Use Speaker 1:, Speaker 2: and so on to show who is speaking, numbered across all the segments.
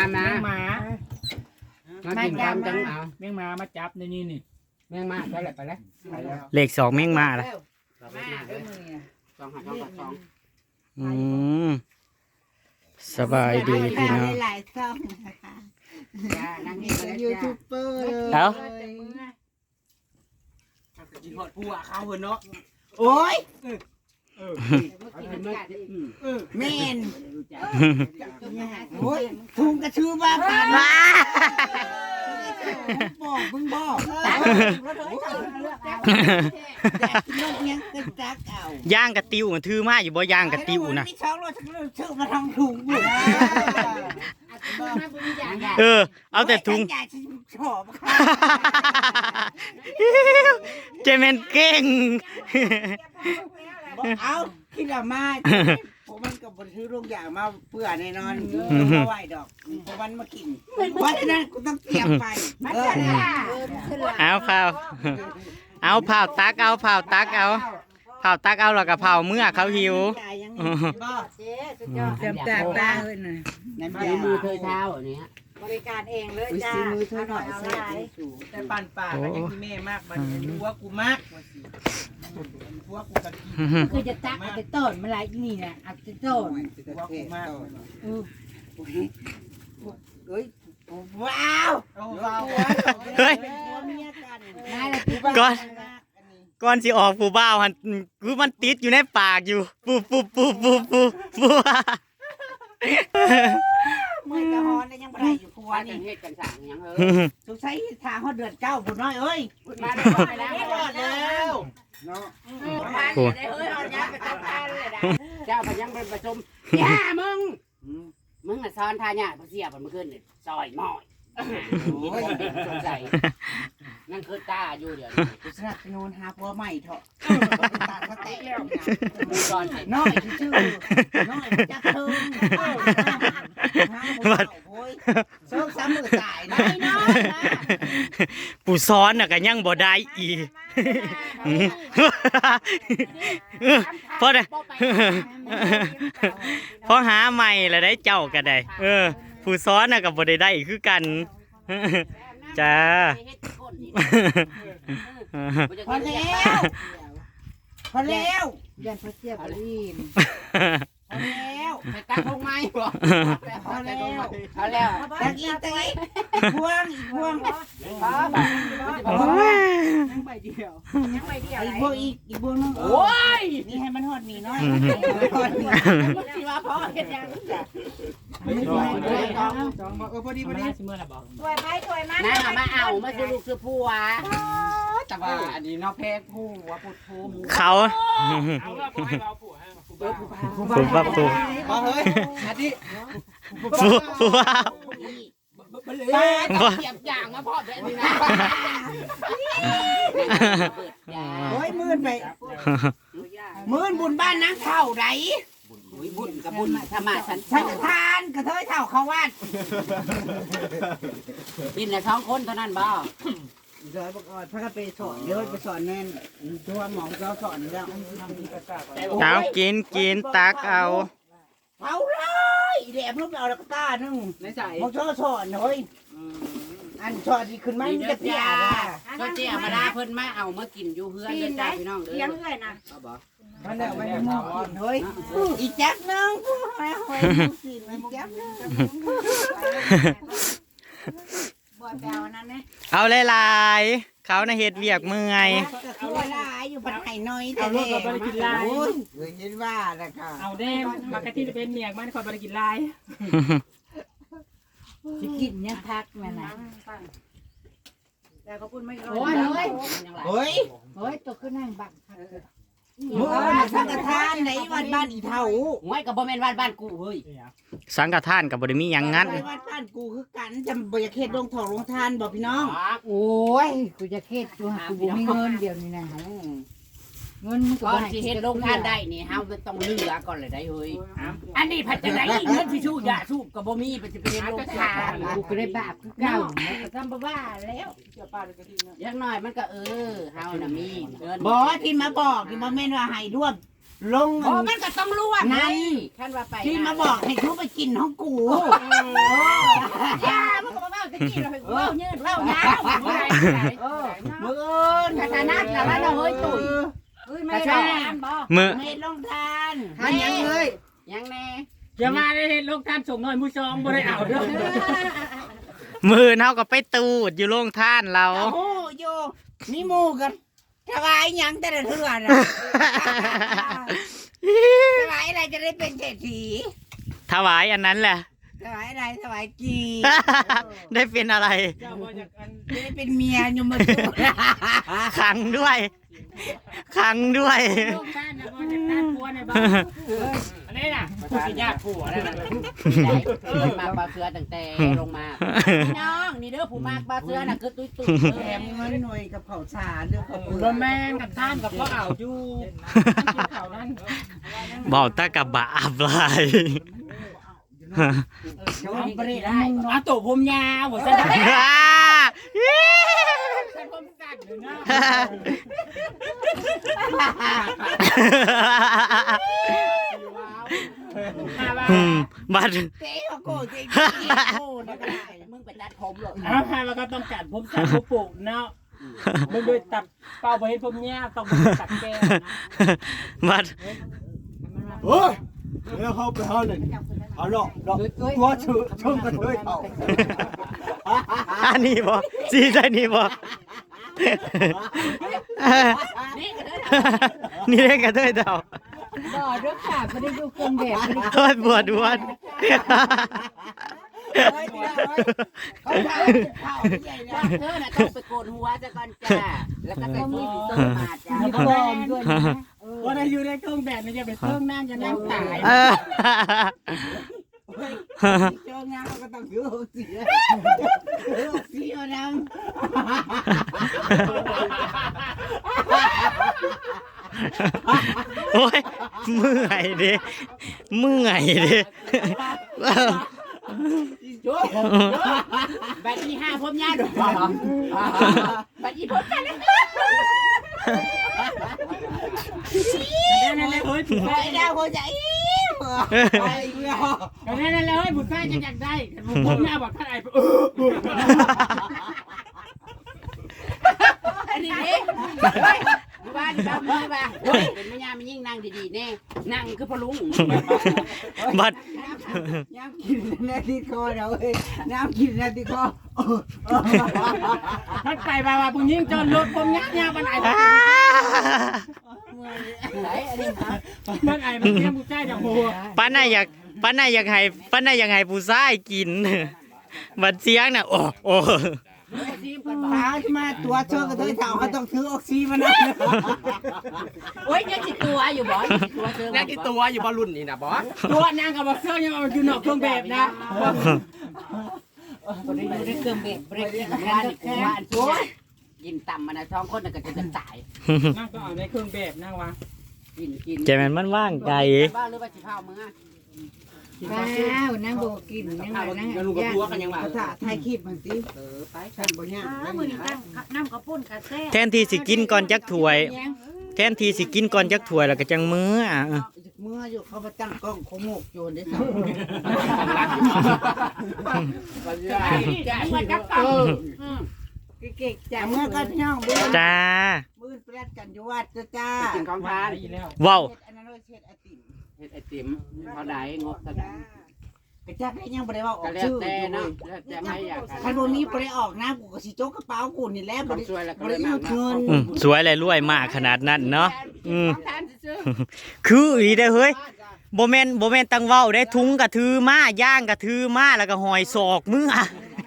Speaker 1: มากินความจังเอา
Speaker 2: แมงมามาจับในนี่นี่
Speaker 1: แม่งมาไปแล้วไปแล้ว
Speaker 3: เลข2แม่งมาละ
Speaker 1: 2
Speaker 3: สบายดีพี่น้อง
Speaker 4: หลายช่องนะคะ
Speaker 1: นั่งนี่ก็ได้
Speaker 4: ยูทูบเบอร์เลย
Speaker 3: เอา
Speaker 2: กินหอดปูอ่ะข้าวเนาะ
Speaker 4: โอ้ย
Speaker 1: แม่
Speaker 4: แม่นโอ้ยทุงกระชื่อบ้ากันบอกมึงบอกลูกยังกระจักเอา
Speaker 3: ย่างกระติวมันถือมาอยู่บ่ย่างกระติวนะ
Speaker 4: มีช่องรถชื่อมาทางถุงอยู่
Speaker 3: เอาแต่ถุง
Speaker 4: อยากจะชอบ
Speaker 3: เจแมนเก่ง
Speaker 4: เอาคิดว่ามาผมมันกับบนซื้อลูกอย่างมาเพื่อแน่นอนมาไหวดอกผมมันมากินเพราะฉะนั้นกูต้องเตรียมไป
Speaker 3: เอาเผาตักเอาเผาตักเอาแล้วก็เผาเมื่อเขาหิว
Speaker 4: เตรียมจากตาเลยนะน้ำยา
Speaker 1: มือเธอเท้าอันนี้
Speaker 5: บริการเองเลยจ้า
Speaker 4: มือเธอหน่อย
Speaker 5: เอา
Speaker 4: เสี
Speaker 5: หลาย
Speaker 2: แต่ปั่นป่าก็ยังที่แม่มากมันรู้ว่ากูมากรู้ว่ากูกะกิน
Speaker 5: คือจะตักเอาไปต้นมาหลายนี่นะเอาไปต้น
Speaker 2: รู้ว่ากูมาก
Speaker 4: เฮ้ยว้าว
Speaker 2: เอาเรา
Speaker 3: เฮ้ย
Speaker 4: เมียกัน
Speaker 5: นายละที่
Speaker 3: ก่อนสิออกผู้บ่าวหันคือมันติดอยู่ในปากอยู่ปู
Speaker 4: มือกระหอนยังไรอยู่ครัว
Speaker 1: ว่า
Speaker 4: นี่
Speaker 1: เฮ็ดกันสั่งยัง
Speaker 4: สงสัยทางเขาเดือดเจ้าผู้น้อยเอ้ย
Speaker 1: มาได้แล้ว
Speaker 4: รอดแล้วเนาะ
Speaker 1: เจ้าพยังเป็นประชุมย่ามึงน่ะซ้อนท่าเนี่ยเสียบมันขึ้นซอยหม้อยโอ้ยสงสัยนั่นคือตาอยู่เดี๋ยว
Speaker 4: สนับสนุนหาผัวใหม่เถอะตาเขาแตกแล้ว
Speaker 1: มือก่อน
Speaker 4: น้อยชื่อน้อยจักเทิงโอ้ยเซิร์ฟซ้ำมือตายนะน้อย
Speaker 3: ผู้ซ้อนน่ะก็ยังบ่ได้อีกพอได้พอหาใหม่แล้วได้เจ้าก็ได้ผู้ซ้อนน่ะก็บ่ได้คือกันจ้า
Speaker 4: พอแล้วพอแล้ว
Speaker 5: เดือนพระเจ้าบรีน
Speaker 4: พอแล้ว
Speaker 1: ไปตักลงไม้บ่
Speaker 4: พอแล้ว
Speaker 1: เอาแล้ว
Speaker 4: ตะกี้พวงอีกพวง
Speaker 5: ยังใบเดียว
Speaker 4: อีกพวงอีกพวงนึง
Speaker 1: โอ้ย
Speaker 4: นี่ให้มันหอดหนีน้อย
Speaker 1: ที่ว่าพ่อเฮ็ดยัง
Speaker 2: พอดี
Speaker 5: เมื่อไหร่บอก
Speaker 4: ถวยไปถวยมา
Speaker 1: น้ามาเอามาซื้อลูกซื้อผัว
Speaker 2: แต่ว่าอันนี้นอกเพศผู้ว่าพูดผู้
Speaker 3: เขา
Speaker 2: เอาละพอให้เราผู้ให้ผู้
Speaker 3: ผู้บักผู้
Speaker 2: พอเฮ้ยอันนี้
Speaker 3: ผู้ว่า
Speaker 1: ป้าเก็บอย่างมาพ่อแบบนี้นะ
Speaker 4: โอ้ยมื่นไปมื่นบุญบ้านนางเท่าไร
Speaker 1: บุญกับบุญธรรมะฉัน
Speaker 4: ฉันทานกระเทยเท่าเขาวัด
Speaker 1: บินละ2 คนเท่านั้นบ่
Speaker 4: เดี๋ยวบอกพระก็ไปสอนเดี๋ยวไปสอนแน่นตัวหมอเราสอนแล้ว
Speaker 3: เอากินตักเอา
Speaker 4: เอาเลยเดี๋ยวลูกเอาแล้วก็ตาหนึ่ง
Speaker 2: ในใจ
Speaker 4: มองชอสอนเฮ้ยอันชอดีขึ้นมา
Speaker 1: นี่
Speaker 4: มัน
Speaker 1: เด้
Speaker 4: จะ
Speaker 1: อ
Speaker 4: เปีย
Speaker 1: จ้าก
Speaker 4: อ่ะ
Speaker 1: ก็เจ้ามาลาเพิ่นมาเอามากินอยู่เฮือนเด้อจ้าพี่น้องเด้อ
Speaker 5: ยังเลยนะ
Speaker 4: มันเนี่ยมันมองกินเฮ้ยอีแจ๊บนึงกูให้หอยกินอีแจ๊บนึง
Speaker 5: บ่อยแปลวนั้นนะ
Speaker 3: เอาหลายๆเขาน่ะเฮ็ดเวียกเมื่อย
Speaker 4: เอาเวลาอยู่พันไห่น้อยแต่เด็กโอ้ยเห็นว่าแล้วค่ะ
Speaker 2: เอาแน่มากระที่เป็นเมียมันคอยบริกินลาย
Speaker 5: สิกินยังพักแม่น่ะ
Speaker 4: แต่เขาพูดไม่
Speaker 5: โอ้ยเฮ้ย
Speaker 4: เฮ้ย
Speaker 5: เฮ้ยตกขึ้นนั่งบัง
Speaker 4: มือมาสังกทานในวันบ้านอีเท่า
Speaker 1: หวยก็บ่แม่นบ้านกูเฮ้ย
Speaker 3: สังฆทานก็บ่ได้มีหยังงั้น
Speaker 4: ไปวัดบ้านกูคือกันจำบริเขตลงทองลงทานบอกพี่น้อง
Speaker 5: โอ้ยกูจะเครียดกูหากูบ่มีเงินเดี๋ยวนี้นะเงินมึงก็
Speaker 1: ก่อ
Speaker 5: บ่
Speaker 1: น
Speaker 5: ให้
Speaker 1: สิเฮ็ดโรงทานได้นี่เฮาต้องเลือก่อนเลยได้เฮ้ยอันนี้พัดจังได๋เงินสิชูยาสูบก็บ่มีไปสิไปเฮ็ดโรงทาน
Speaker 5: กูก็ได้บาปคือเก่าแล้วก็ทำบ่ว่าแล้ว
Speaker 1: อย่างน้อยมันก็เฮาน่ะมีเงิน
Speaker 4: บอกที่มาบอกที่มาเม่นว่าให้ร่วมลง
Speaker 1: โอ้มันก็ต้องรู้ว่าไงคันว่าไป
Speaker 4: ที่มาบอกให้ทุกไปกินห้องกู
Speaker 1: อย่ามึงก็มาเว้าตะกี้เราไปเว้ายืดเว้ายาวเมื่อไหร่
Speaker 4: มือ
Speaker 1: กระทานัดแล้วเราเฮ้ยตุ๋ยเฮ้ยไม่ได้บ่
Speaker 3: มือ
Speaker 4: เมดลงทาน
Speaker 1: ทานยังเลยยังแน่
Speaker 2: อย่ามาได้เห็นลูกท่านส่งหน่อยมือซองบ่ได้เอาเด้อ
Speaker 3: มือเฮาก็ไปตูดอยู่โรงท่านเรา
Speaker 4: โอ้โหโยมีหมูกันถวายยังแต่ละเทื่อนะถวายอะไรจะได้เป็นเศรษฐี
Speaker 3: ถวายอันนั้นแหละ
Speaker 4: ถวายอะไรถวายกี
Speaker 3: ได้เป็นอะไร
Speaker 2: เจ้าบ่จากอัน
Speaker 4: จะได้เป็นเมียยมทูต
Speaker 3: ขังด้วยขังด้วย
Speaker 2: ลูกท่านน่ะบ่จากท่านผัวในบ้านอันนี้น่ะผู้สิญาติผัวนั่นน่ะ
Speaker 1: มาปลาเสือตั้งแต่ลงมาพี่น้องนี่เด้อผู้มากปลาเสือน่ะคือตุ้ยตุ้ย
Speaker 4: แถมเงินหน่วยกับเขาสารเรื่องเขาเปลื
Speaker 2: บ่
Speaker 4: อก
Speaker 2: แม่นกับท่านกับพ่อเอาอยู่เขานั้น
Speaker 3: บอกตากับบาปลาย
Speaker 1: เอาไปได้
Speaker 2: อาโตผมยาวบ่ซั่นฉันผมสั้นอยู่นะ
Speaker 3: อืมบัด
Speaker 4: เจ๊เขาโกรธเจ๊โกรธนะก็ได้
Speaker 1: มึงไปตัดผมหรอก
Speaker 2: เอาให้มันก็ต้องกัดผมสั้นผมปลูกเนาะมึงโดยตัดเป่าบ่เห็นผมยาวต้องตัดแก้ว
Speaker 3: บัด
Speaker 4: เฮ้ยแล้วเขาไปเขาเลยเอาหรอกตัวชื่อชมกันเลยเขา
Speaker 3: อันนี้บ่สีใจนี่บ่
Speaker 1: นี่ก็ได้
Speaker 3: นี่เล่นกันด้วยเดา
Speaker 5: บ่เด้อค่ะบ่ได้ดูเครื่องแบบบ่ได้
Speaker 3: โทษบวชดวน
Speaker 4: เขาทำข้าวใหญ่
Speaker 1: ว่า
Speaker 4: นะ
Speaker 1: เธอน่ะต้องไปโกนหัวซะก่อนจ้าแล้วก็ใส่สีส้มมาจ้า
Speaker 5: มีปลอมด้วยนะ
Speaker 2: ว่าได้อยู่ในเครื่องแบบนี่จะไปเครื่องนั่งจะนั่งตาย
Speaker 3: เออ
Speaker 4: เจ้างานเขาก็ต้องถือหกสีหกสีเอาน้
Speaker 3: โอ้ยเมื่อยดิเมื่อยดิ
Speaker 1: โจ้แบบที่ห้าผมยาวดูแบบที่ผมกันนะ
Speaker 2: นั่นแหละเฮ้ยผู้
Speaker 4: ำ
Speaker 2: ชา
Speaker 4: ไป
Speaker 2: ย
Speaker 4: ดาวหัวใจไปเพื่อ
Speaker 2: นั่นแหละเฮ้ยผู้ชายจะอยากได้ผมยาวบอกท่านไอ้
Speaker 1: อันนี้เด้ว่าที่เรามือว่าเป็นแม่ยามันยิ่งนั่งดีๆแน่นั่งคือพลุง
Speaker 3: บัด
Speaker 4: น้ำกินนาทีคอเราเอ้ยน้ำกินนาทีคอ
Speaker 2: ท่านไปว่าผู้หญิงจนรถผมยาวมันไอ้
Speaker 1: ไหนอันนี้ครับ
Speaker 2: มันไอ้มันเลี้ยงผู้ชายจากหัว
Speaker 3: ป้าน่าอยากให้ผู้ชายกิน บัดเสียงน่ะโอ้โอ้
Speaker 1: ซีมกันบ่
Speaker 4: พามาตัวเธอกับเธอถามเขาต้องถือออกซิมันนะ
Speaker 1: โอ้ยยังจิตัวอยู่บ่ตัวเจอ
Speaker 6: แรกที่ตัวอยู่บอลรุ่นนี่นะบอส
Speaker 2: ตัวนางกับบอกเสื้อยังมันอยู่นอกเครื่องแบบนะ
Speaker 1: คนนี้อยู่ในเครื่องเบรกเบรกกินงานกูว่าอันที่กินต่ำมันนะท้องคนน่ะก็จะตาย
Speaker 2: นั่งก็เอาในเครื่องแบบนั่งวะ
Speaker 1: กิน
Speaker 3: ใจมันว่างไกล
Speaker 1: บ้าหรือว่าสิเผามึงอ่ะ
Speaker 5: ว้าวนั่งบ่กินยังไงนั่ง
Speaker 6: แล้วลุงกับตัวกันยังไง
Speaker 4: ภาษาไทยคิดมันสิ
Speaker 1: ไป
Speaker 4: ท่านบ่ยาก
Speaker 5: มื้อนี้ตั้งน้ำกระปุ้นกระแซ่
Speaker 3: แทนที่สิกินก่อนจักถ้วย แทนที่สิกินก่อนจักถ้วยแล้วก็จังมื้ออ่ะ
Speaker 4: เมื่ออยู่เขาไปตั้งกล้องขโมกโยนได้สอง
Speaker 1: จะมันกับเก่า
Speaker 5: เก่งๆ
Speaker 4: แต่
Speaker 5: จ้ะ
Speaker 4: เมื่อก็พี่น้องบื้อ
Speaker 3: จ้า
Speaker 4: บื้อแปรดกันอยู่วัดจ้า
Speaker 1: กินของทาน
Speaker 2: แล้ว
Speaker 3: ว้าว
Speaker 4: เฮ็ดอันนั้นเฮ็ดไอติม
Speaker 1: เฮ็ดไอติมเท่าใดงบเท่าใด
Speaker 4: กระจักได้ยังบ่ได้ว่าออ
Speaker 1: ก็
Speaker 4: ก
Speaker 1: แล้ว
Speaker 4: ชื่อ
Speaker 1: แต่เนาะแล้วแต่ไม่อยาก
Speaker 4: คันบ่มีบ่ได้ออกนะกูก็สิจกกระเป๋ากูนี่แหละบ่ได้
Speaker 1: ช่วยแล้วก็
Speaker 4: บ่
Speaker 1: เล
Speaker 4: ได้
Speaker 1: ย
Speaker 4: เอา
Speaker 1: มา
Speaker 4: เงิน
Speaker 3: สวยและรวยมากขนาดนั้นเนาะ
Speaker 1: ของทานซื่อ
Speaker 3: คืออีเด้อเฮ้ยบ่แม่นตังเว้าได้ทุงกระถือมาย่างกระถือมาแล้วก็หอยศอกมืออ่ะ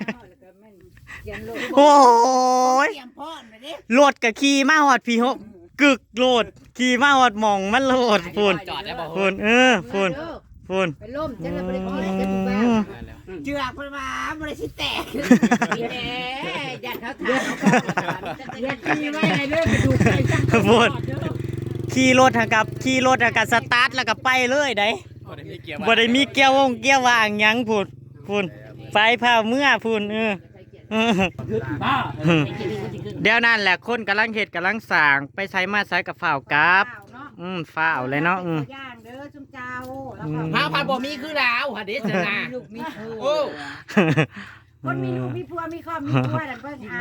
Speaker 3: โอ้ย
Speaker 4: เตรียมพร้อมนะเด้
Speaker 3: รถก็ขี่มาฮอดพี่ฮกกึกโลดขี่มาฮอดหม่องมันโลดพุ่น
Speaker 6: จอดได้บอก
Speaker 3: พุ่นพุ่นพุ่น
Speaker 5: ไปล่มจะบ่ได้กินจะถูกบ้า
Speaker 4: เจือกเพิ่นว่าบ่ได้สิแตก
Speaker 1: ๆนี่แหละยันเขาทาน
Speaker 2: อยากขี่ไว้ในเรื่องกระดูกไก่จัง
Speaker 3: พุ่นขี่รถหากับสตาร์ทแล้วก็ไปเลยได้
Speaker 6: บ่ได้มีเกียร์
Speaker 3: บ่ได้มีเกียร์ว่างหยังพุ่นไปพาเมื่อพุ่น
Speaker 2: บ้า
Speaker 3: เดี๋ยวนั่นแหละคนกำลังเฮ็ดกำลังสร้างไปใช้มาใช้กับฝ่าวกราบฟ้าวเลยเนาะ
Speaker 5: ย่างเด้อจุ่มเจ้าแล้วก็
Speaker 6: พาพาบ่มีคือลาวหะเด้ชนะ
Speaker 5: ลูกมีผัว
Speaker 6: โอ้
Speaker 5: คนมีลูกมีผัวมีครอบมีครัวนั่นเพิ่นเอา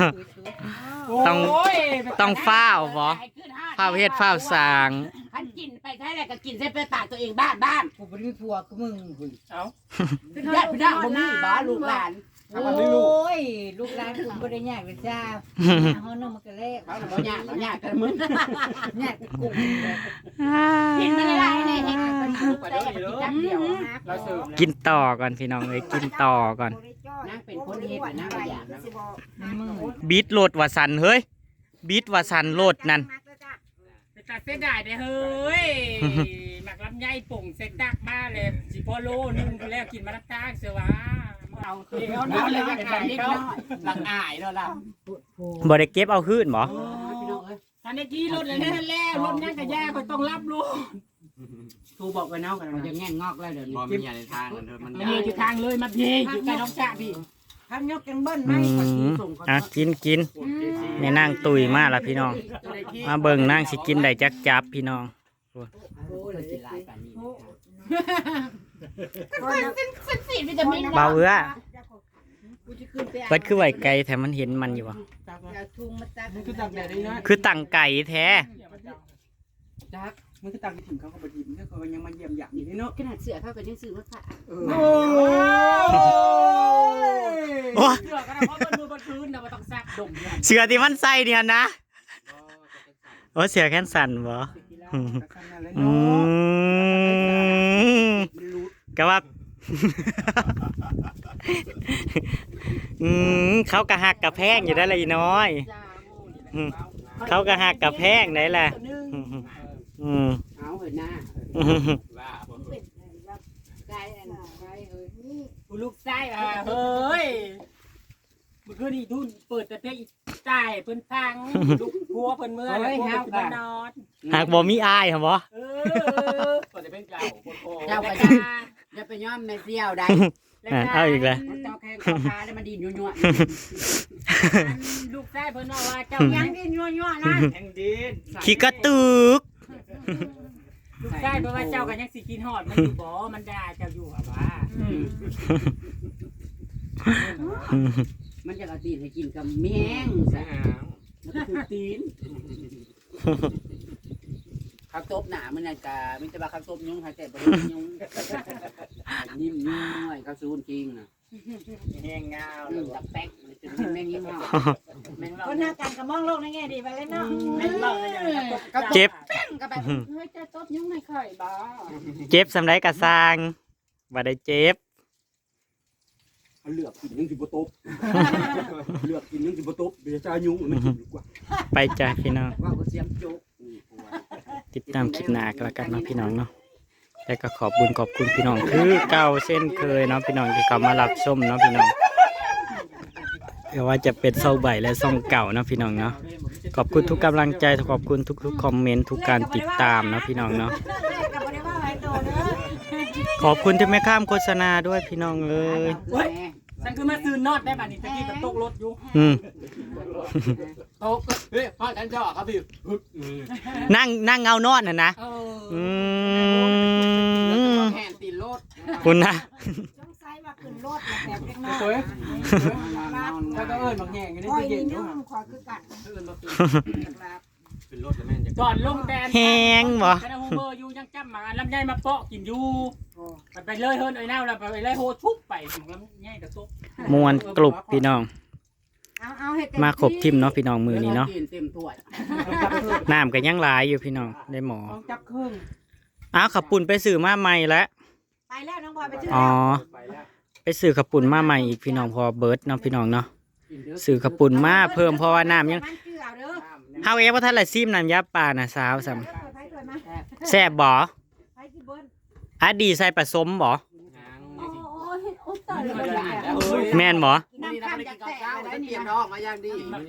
Speaker 3: ต้องฟ้าวบ่ฟ้าวเฮ็ดฟ้าวสร้าง
Speaker 1: ขันกินไปใช่แหละก็กินเส้นไปตากตัวเองบ้าน
Speaker 4: กูบ่ได้มีผัวกูมึงคุย
Speaker 1: ญาติพี่น้องบ่มีบ้าลูกหลาน
Speaker 5: โอ้ยลูกหลานกูบ่ได้ยากเลยจ้าเฮานำมันก็แล้ว
Speaker 1: เขาบ่ยากเขายากกันมึง
Speaker 5: ยากกู
Speaker 1: กินมาหลายๆเลยเฮ็ดเป็นลูกแต่กินจักเดียว
Speaker 6: เราเสิร์ฟ
Speaker 3: กินต่อก่อนพี่น้องเอ้ยกินต่อก่อน
Speaker 1: นางเป็นคนเฮ็ดนางบ่อยากนะ
Speaker 3: บีทโหลดว่าสันเฮ้ยบีทว่าสันโหลดนั่น
Speaker 2: ไปตัดเส้นได้เด้อเฮ้ยหมักลำไยป่งเซ็ตดักมาเลยสิพอโลนึงก็แล้วกินมารับจ้างเสือวะ
Speaker 1: เอาคือเอาเลยว่าเป็นเล็กน้อยหลังอายแล้วล่ะ
Speaker 3: บ่ได้เก็บเอาคืนบ่
Speaker 1: พี่น้องเอ้ย
Speaker 2: ทันได้กี้รถเลยนั่นแล้วรถนั่นก็ยากก็ต้องรับลูก
Speaker 1: ครูบอกไว้เนาะมันจะแง่งงอกแล้วเดี๋ยวนี้
Speaker 6: บ่มีอะไรทางเถอะมัน
Speaker 2: มันอยู่ทางเลยมาพีอยู่ใกล้น้องจ่าพี่
Speaker 5: ทำยกกันเบิ้ลไหม
Speaker 3: กินแม่นางตุยมาละพี่น้อง มาเบิ่งนางสิกินได้จักจับพี่น้อง
Speaker 1: โอ้ยกินหลายปานนี้
Speaker 5: สีวิตามิน
Speaker 3: เบาเอื้อเปิดคือไหวไก่แถมมันเห็นมันอยู่บ่
Speaker 5: ทุ่งมาตัก
Speaker 2: มันคือตักแดดได้นะ
Speaker 3: คือตั้งไก่แท้
Speaker 2: จักมันคือตักที่ถึงเขาก็บ่ทิมเนี่ยเขายังมาเยี่ยมอย่างนี้เนาะ
Speaker 1: ขนาดเสือเขาก็ยังซื้อมาฝาก
Speaker 2: โอ้
Speaker 3: โอ้
Speaker 2: เสือก็ได้เพราะมันมือบนพื้นนะมันต้องซักดมเนี่ย
Speaker 3: เสือที่มันใส่เนี่ยนะโอ้เสือแค่นสั่นบ่อืมก็ว่า เขากะหักกะแพงอยู่ได้เลยน้อยเขากะหักกะแพงได้แหละ
Speaker 1: เอาเห็นหน้า
Speaker 6: ว่าผม
Speaker 5: ไก่อันไก่เอ้ยนี่
Speaker 2: ลูกไส้เฮ้ยมันคือนี่ทุนเปิดแต่เพลงจ่ายเพิ่นฟังลูกพัวเพิ่นเมื่อแล้วพัวเพิ่นนอน
Speaker 3: หากบ่มีอายเหรอบ่
Speaker 6: เปิดจะเป็นเก่าโคตร
Speaker 1: เจ้าไปอย่าไปย้อมแม่เสี่ยวได้
Speaker 3: เอาอีกแล้ว
Speaker 1: เจ้าแข้งข้าขาแล้วมันดินยั่ว
Speaker 2: ลูกไส้เพิ่นบอกว่าเจ้า
Speaker 5: ยั
Speaker 2: ยัง ง
Speaker 5: กินยั่วๆนะ
Speaker 6: แห่งดิน
Speaker 3: ขี้กระตึก
Speaker 2: ลูกไส้เพราะว่าเจ้ากันยังสิกินฮอดมันอยู่บ่มันด่าเจ้าอยู่ว่า
Speaker 1: มันจะกระตีนให้กินกับแมงซะมันก็คือตีนข้าวต้มหนามันนั่นกะมันจะว่าข้าวต้มยุ่งหายแต่บ่ได้ยุ่งนิ่มน้อยข้าวซูนจริงน่ะ
Speaker 6: แห้งงา
Speaker 1: ดักแป๊กมันจะแม่งยิ้มเนาะแม่ง
Speaker 5: คนหน้ากันก็มองโลกในแง่ดีไปเลยเนาะ
Speaker 2: แม่นบอกเลยอย่างนั้น
Speaker 3: เจ็บ
Speaker 1: ก็แบบเฮ้ยจะต้มยุ่งไม่ค่อยบ่
Speaker 3: เจ็บสำไรกะสร้างบ่ได้เจ็บ
Speaker 6: เลือกกินนึงสิบ่ตบเลือกกินนึงสิบ่ตบเดี๋ยวจะยุ่งมันกินดีกว่า
Speaker 3: ไปจ้าพี่น้อง
Speaker 1: ว่าก็เสียมจุก
Speaker 3: ติดตามคลิปหน้ากันแล้วกันเนาะพี่น้องเนาะแล้วก็ขอบคุณพี่น้องคือเก่าเส้นเคยเนาะพี่น้องที่เขามารับชมเนาะพี่น้องไม่ว่าจะเป็นเซาใบและซ่องเก่าเนาะพี่น้องเนาะขอบคุณทุกกำลังใจขอบคุณทุกๆคอมเมนต์ทุกการติดตามเนาะพี่น้องเนาะ
Speaker 5: ก็บ่ได้ว่าไว้โตเด้อ
Speaker 3: ขอบคุณที่ไม่ข้ามโฆษณาด้วยพี่น้องเอ้ย
Speaker 2: ฉันคือมาซื้อนอดได้บัดนี้ตะกี้มันตกรถอยู่
Speaker 6: ตกเฮ้ยพ่อฉันชอบครับพี่
Speaker 3: นั่งเงานอนน่ะนะ
Speaker 1: แห่นตีนรถ
Speaker 3: คุณนะ
Speaker 5: สงสัยว่าขึ้นรถแล้วแบบเล็กน้อย
Speaker 2: สวยแล้วก็เอิ้นบางแห่งอยู่ใน
Speaker 5: โอ้ย
Speaker 2: ตู้เย็น
Speaker 5: นี่
Speaker 2: อยู่
Speaker 5: นุ่มขอคือกัน
Speaker 6: เป็นรถแล้วแม่นจะ
Speaker 2: ก่อนลงแดน
Speaker 3: แหงบ่
Speaker 2: คณะโฮเบอร์อยู่ยังจำมาลำไยมาเปาะกินอยู่ไปเลยเฮิร์นไอ้แนวแล้วไปเลยโฮชุบไปถึงลำไยกระซุก
Speaker 3: มวนกลุ่มพี่น้อง
Speaker 5: เอาให้
Speaker 3: มาขบทิมเนาะพี่น้องมือนี้เนาะ
Speaker 1: เต็มถ้วย
Speaker 3: น้ำก็ยังหลายอยู่พี่น้องได้หมอ
Speaker 2: ต้องจับเครื่อง
Speaker 3: อ้าวขับปุ่นไปสื่อมาใหม่แล้ว
Speaker 5: ไปแล้วน้องบอยไปชื่อ
Speaker 3: อ๋อ
Speaker 6: ไปแล้ว
Speaker 3: ไปสื่อขับปุ่นมาใหม่อีกพี่น้องพอเบิร์ดเนาะพี่น้องเนาะสื่อขับปุ่นมาเพิ่มเพราะว่าน้ำยัง
Speaker 5: มันชื่อเอาเด้อ
Speaker 3: เฮาเองว่าท่านละซิมน้ำยาป่าน่ะสาวซ้
Speaker 5: ไปถอยมา
Speaker 3: ำแซ่บบ่
Speaker 5: ไปที่เบิ้ล
Speaker 3: อะดีใส่ผสมบ่
Speaker 5: โอ้ยโอ้ตายแล้ว
Speaker 3: แม่นบ่
Speaker 1: นี่เราไม่ได้กินข้าวเช้าจะเตรียมท้องมาอย่างดี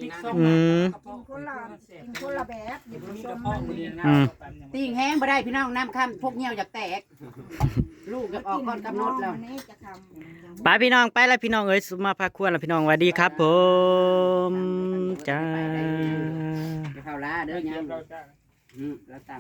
Speaker 5: คนละแบบอยู่ผสม
Speaker 1: ติ่งแห้งบ่ได้พี่น้องน้ำข้ามพวกเงี้ยวอยากแตก ลูกจะออกก่อนกำหนดแล้ว
Speaker 5: นี่จะทำ
Speaker 3: ไปพี่น้องไปแล้วพี่น้องเอ้ยสุมาพาควรแล้วพี่น้องสวัสดีครับผมจ้า
Speaker 1: เข้าล้าเด้อยังแล้วตั้ง